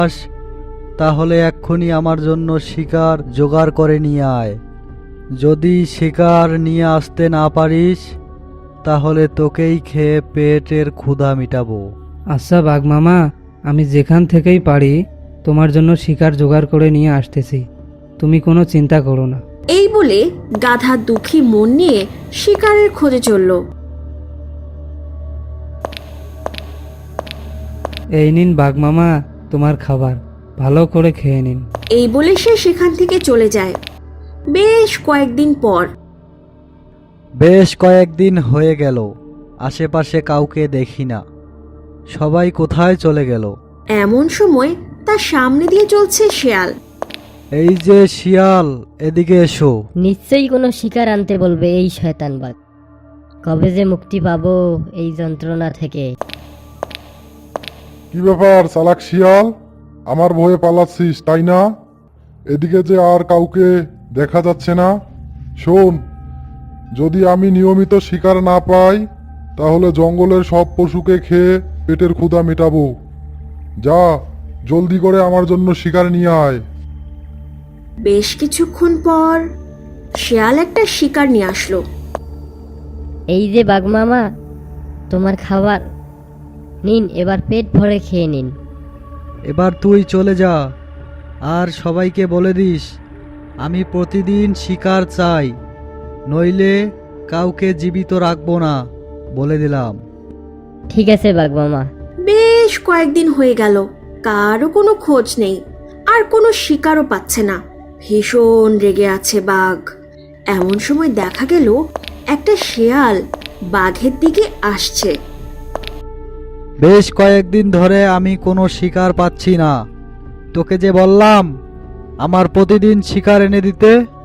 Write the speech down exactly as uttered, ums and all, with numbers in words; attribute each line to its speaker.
Speaker 1: তাহলে এক্ষুনি আমার জন্য শিকার জোগাড় করে নিয়ে আয়। যদি শিকার নিয়ে আসতে না পারিস তাহলে তোকেই খেয়ে পেটের ক্ষুধা মিটাবো।
Speaker 2: আচ্ছা বাঘ মামা, আমি যেখান থেকেই পারি তোমার জন্য শিকার জোগাড় করে নিয়ে আসতেছি, তুমি কোনো চিন্তা করো না।
Speaker 3: এই বলে গাধা দুঃখী মন নিয়ে শিকারের খোঁজে চলল।
Speaker 2: এই নিন বাঘ মামা তোমার খাবার, ভালো করে খেয়ে নিন।
Speaker 3: এই বলে সে সেখান থেকে চলে যায়। বেশ কয়েকদিন পর
Speaker 1: বেশ কয়েকদিন হয়ে গেল, আশেপাশে কাউকে দেখি না, সবাই কোথায় চলে গেল।
Speaker 3: এমন সময় তার সামনে দিয়ে চলছে শেয়াল।
Speaker 1: এই যে শিয়াল, এদিকে এসো।
Speaker 4: নিশ্চয়ই কোনো শিকার আনতে বলবে এই শয়তান বাঘ। কবে যে মুক্তি পাবো এই যন্ত্রণা থেকে।
Speaker 5: কি ব্যাপার চালাক শিয়াল, আমার ভয়ে পালাচ্ছিস তাই না? এদিকে যে আর কাউকে দেখা যাচ্ছে না। শোন, যদি আমি নিয়মিত শিকার না পাই তাহলে জঙ্গলের সব পশুকে খেয়ে পেটের ক্ষুধা মেটাবো। যা, জলদি করে আমার জন্য শিকার নিয়ে আয়।
Speaker 3: বেশ কিছুক্ষণ পর শেয়াল একটা শিকার নিয়ে আসলো।
Speaker 4: এই যে বাঘ মামা, তোমার খাবার নিন, এবার পেট ভরে খেয়ে নিন।
Speaker 1: এবার তুই চলে যা, আর সবাইকে বলে দিস আমি প্রতিদিন শিকার চাই, নইলে কাউকে জীবিত রাখবো না, বলে দিলাম।
Speaker 4: ঠিক আছে বাঘ মামা।
Speaker 3: বেশ কয়েকদিন হয়ে গেল, কারও কোনো খোঁজ নেই, আর কোনো শিকারও পাচ্ছে না। ভীষণ রেগে আছে বাঘ। এমন সময় দেখা গেল একটা শেয়াল বাঘের দিকে আসছে।
Speaker 1: বেশ কয়েকদিন ধরে আমি কোনো শিকার পাচ্ছি না, তোকে যে বললাম আমার প্রতিদিন শিকার এনে দিতে।